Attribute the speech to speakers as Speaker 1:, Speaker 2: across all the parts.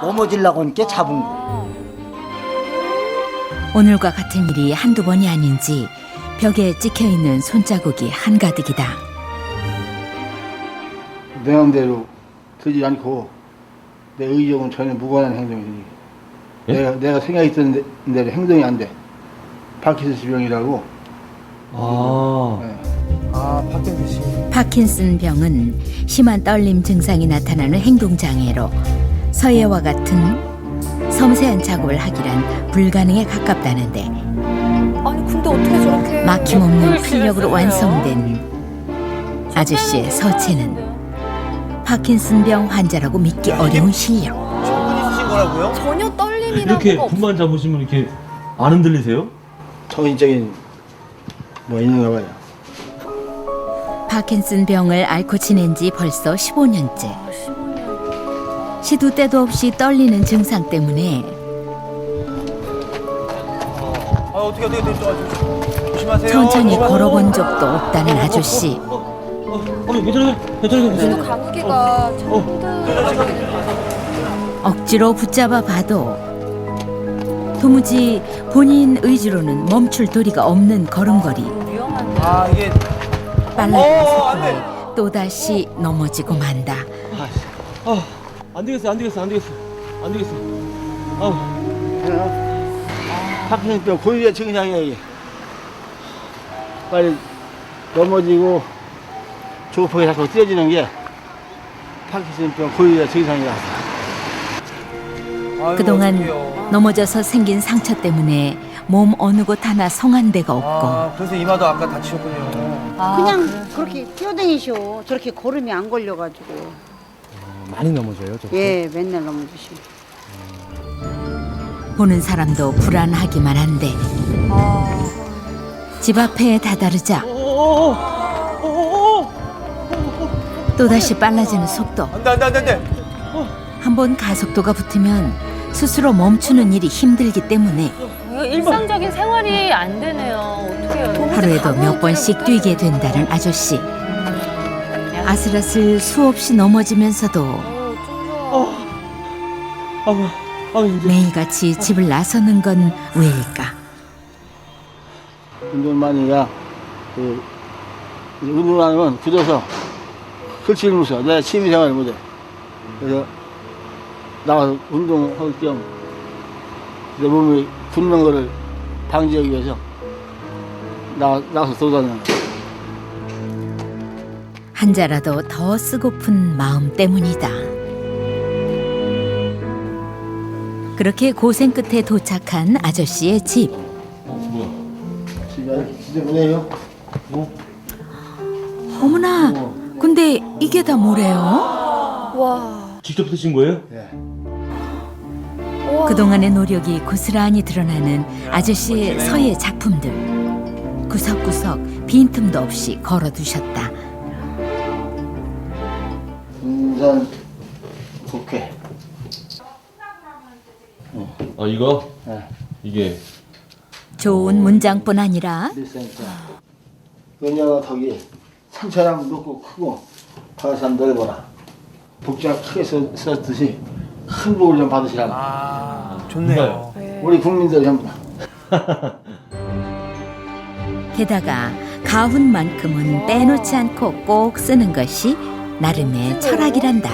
Speaker 1: 넘어지려고 하니까 잡은 거.
Speaker 2: 오늘과 같은 일이 한두 번이 아닌지 벽에 찍혀있는 손자국이 한가득이다.
Speaker 3: 내 마음대로 되지 않고 내 의욕은 전혀 무관한 행동이니
Speaker 4: 예?
Speaker 3: 내가 생각했던 대로 행동이 안 돼. 파킨슨 병이라고.
Speaker 4: 아,
Speaker 2: 파킨슨 병은 심한 떨림 증상이 나타나는 행동장애로 서예와 같은 섬세한 작업을 하기란 불가능에 가깝다는데
Speaker 5: 아니 근데 어떻게 저렇게
Speaker 2: 막힘없는
Speaker 5: 글씨를
Speaker 2: 필력으로
Speaker 5: 쓰세요?
Speaker 2: 완성된 아저씨의 서체는 파킨슨병 환자라고 믿기 어려운 실력.
Speaker 5: 전혀 떨림이나
Speaker 4: 이렇게
Speaker 5: 뭐가
Speaker 4: 분만 잡으시면 이렇게 안 흔들리세요?
Speaker 3: 정신적인 뭐 있는가 봐요.
Speaker 2: 파킨슨병을 앓고 지낸 지 벌써 15년째.
Speaker 5: 없- 15년.
Speaker 2: 시도 때도 없이 떨리는 증상 때문에
Speaker 6: 어떻게 조심하세요.
Speaker 2: 천천히 걸어본 적도 없다는 아저씨.
Speaker 4: 괜찮아요?
Speaker 5: 그래도 감기가 참 힘들어.
Speaker 2: 억지로 붙잡아 봐도 도무지 본인 의지로는 멈출 도리가 없는 걸음걸이.
Speaker 5: 위험한데.
Speaker 6: 아 이게
Speaker 2: 빨라진
Speaker 6: 안 돼.
Speaker 2: 속도에 또다시 넘어지고 만다.
Speaker 4: 안 되겠어.
Speaker 3: 파킨슨병 고유의 증상이야 이게. 빨리 넘어지고 조급하게 자꾸 뛰어지는 게 파킨슨병 고유의 증상이라.
Speaker 6: 아이고,
Speaker 2: 그동안
Speaker 6: 어떡해요.
Speaker 2: 넘어져서 생긴 상처 때문에 몸 어느 곳 하나 성한 데가 없고
Speaker 6: 아 그래서 이마도 아까 다치셨군요.
Speaker 5: 아,
Speaker 7: 그냥 그렇게 뛰어다니셔. 저렇게 걸음이 안 걸려가지고.
Speaker 6: 많이 넘어져요, 저.
Speaker 7: 예, 맨날 넘어지시고.
Speaker 2: 보는 사람도 불안하기만 한데
Speaker 5: 아,
Speaker 2: 집 앞에 다다르자 또다시 빨라지는 속도.
Speaker 6: 안돼.
Speaker 2: 한번 가속도가 붙으면 스스로 멈추는 일이 힘들기 때문에
Speaker 5: 이거 일상적인 생활이 안 되네요. 어떻게 해요?
Speaker 2: 하루에도 몇 번씩 뛰게 된다는 아저씨. 아슬아슬 수없이 넘어지면서도 매일같이 집을 나서는 건 왜일까?
Speaker 3: 운동만이가 운동을 안 하면 굳어서 글씨를 못 써. 내가 취미생활을 못해. 그래서 나와서 운동할 겸 내 몸이 굳는 거를 방지하기 위해서 나와서 돌아다니는 거야.
Speaker 2: 한자라도 더 쓰고픈 마음 때문이다. 그렇게 고생 끝에 도착한 아저씨의 집.
Speaker 4: 뭐야?
Speaker 3: 집에 지저분해요.
Speaker 2: 어머나, 근데 이게 다 뭐래요?
Speaker 5: 와.
Speaker 4: 직접 쓰신 거예요?
Speaker 3: 예.
Speaker 2: 그동안의 노력이 고스란히 드러나는 아저씨의 서예 작품들. 구석구석 빈틈도 없이 걸어두셨다.
Speaker 3: 군산 국회.
Speaker 4: 아, 이거?
Speaker 3: 예.
Speaker 4: 이게
Speaker 2: 좋은 문장뿐 아니라
Speaker 3: 밀센터. 은영아 덕이 상처랑 높고 크고 가산 넓어라. 복지가 크게 썼듯이 큰 복을 좀 받으시라고.
Speaker 6: 아 좋네요.
Speaker 3: 우리 국민들 전부 다. 게다가
Speaker 2: 가훈만큼은 빼놓지 않고 꼭 쓰는 것이 나름의 철학이란다.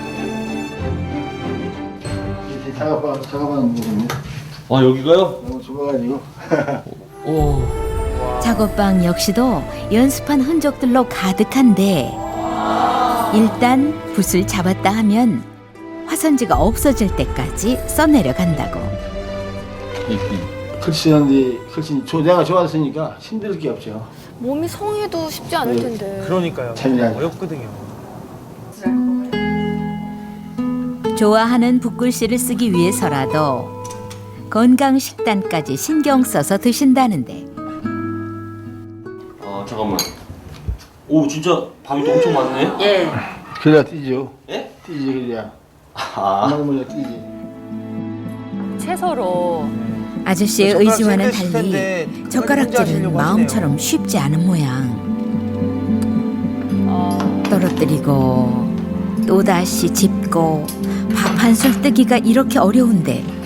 Speaker 3: 이렇게 작업하는 부분이
Speaker 4: 아, 여기가요?
Speaker 3: 너무 좁아가지고.
Speaker 4: 오.
Speaker 2: 작업방 역시도 연습한 흔적들로 가득한데 일단 붓을 잡았다 하면 화선지가 없어질 때까지 써내려간다고.
Speaker 3: 글씨 쓰는데 내가 좋아했으니까 힘들 게 없죠.
Speaker 5: 몸이 성해도 쉽지 않을 텐데.
Speaker 6: 그러니까요.
Speaker 3: 재미나죠.
Speaker 6: 어렵거든요.
Speaker 2: 좋아하는 붓글씨를 쓰기 위해서라도 건강 식단까지 신경 써서 드신다는데
Speaker 4: 아, 잠깐만. 오, 진짜 밥이 또 엄청 많네.
Speaker 7: 예.
Speaker 3: 그래야 뛰죠.
Speaker 4: 예?
Speaker 3: 뛰지 그래야.
Speaker 4: 아.
Speaker 3: 먹으면 뛰지.
Speaker 5: 채소로.
Speaker 2: 아저씨의
Speaker 6: 젓가락
Speaker 2: 의지와는
Speaker 6: 힘드실
Speaker 2: 달리
Speaker 6: 텐데 혼자
Speaker 2: 젓가락질은
Speaker 6: 하시려고
Speaker 2: 마음처럼
Speaker 6: 하시네요.
Speaker 2: 쉽지 않은 모양. 떨어뜨리고 또다시 짚고 반술 뜨기가 이렇게 어려운데